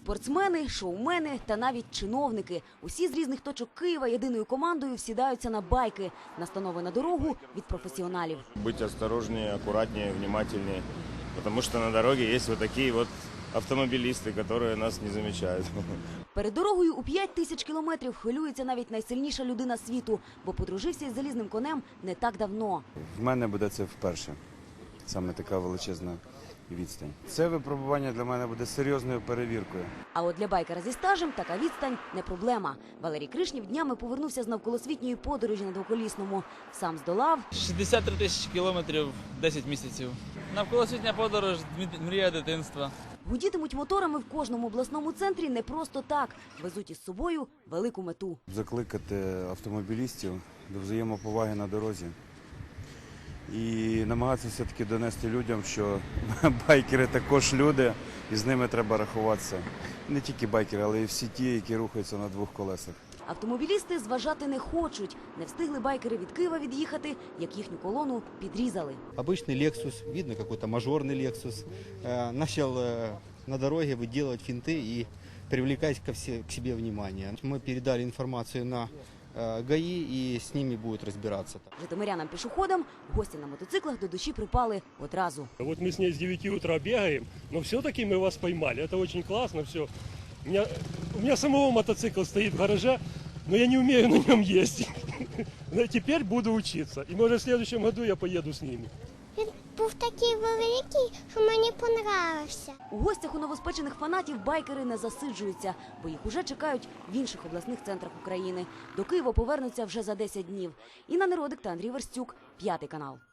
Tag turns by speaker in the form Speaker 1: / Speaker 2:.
Speaker 1: Спортсмени, шоумени та навіть чиновники. Усі з різних точок Києва єдиною командою всідаються на байки. Настанови на дорогу від професіоналів.
Speaker 2: Быть осторожнее, аккуратнее, внимательнее, потому что на дороге есть вот такие вот автомобилисты, которые нас не замечают.
Speaker 1: Перед дорогою у 5000 кілометрів хвилюється навіть найсильніша людина світу, бо подружився із залізним конем не так давно.
Speaker 3: В мене буде це вперше, саме така величезна відстань. Це випробування для мене буде серйозною перевіркою.
Speaker 1: А от для байкера зі стажем така відстань не проблема. Валерій Кришнів днями повернувся з навколосвітньої подорожі на двоколісному. Сам здолав
Speaker 4: 63 тисячі кілометрів, 10 місяців. Навколосвітня подорож – мрія дитинства.
Speaker 1: Гудітимуть моторами в кожному обласному центрі не просто так. Везуть із собою велику мету.
Speaker 3: Закликати автомобілістів до взаємоповаги на дорозі і намагатися все-таки донести людям, що байкери також люди, і з ними треба рахуватися. Не тільки байкери, але й всі ті, які рухаються на двох колесах.
Speaker 1: Автомобілісти зважати не хочуть. Не встигли байкери від Києва від'їхати, як їхню колону підрізали.
Speaker 5: Обычный Lexus, видно какой-то мажорный Lexus, начал на дороге выделывать финты и привлекать к себе внимание. Мы передали информацию на ГАИ и с ними будут разбираться.
Speaker 1: Житомирянам-пішоходам гості на мотоциклах до душі припали одразу.
Speaker 6: Вот мы с ней с 9 утра бегаем, но все-таки мы вас поймали. Это очень классно, все. У меня самого мотоцикл стоит в гараже, но я не умею на нем ездить. Но теперь буду учиться. И может в следующем году я поеду с ними.
Speaker 7: Він був такий великий, що мені понравився.
Speaker 1: У гостях у новоспечених фанатів байкери не засиджуються, бо їх уже чекають в інших обласних центрах України. До Києва повернуться вже за 10 днів. Інна Неродик та Андрій Верстюк, 5 канал.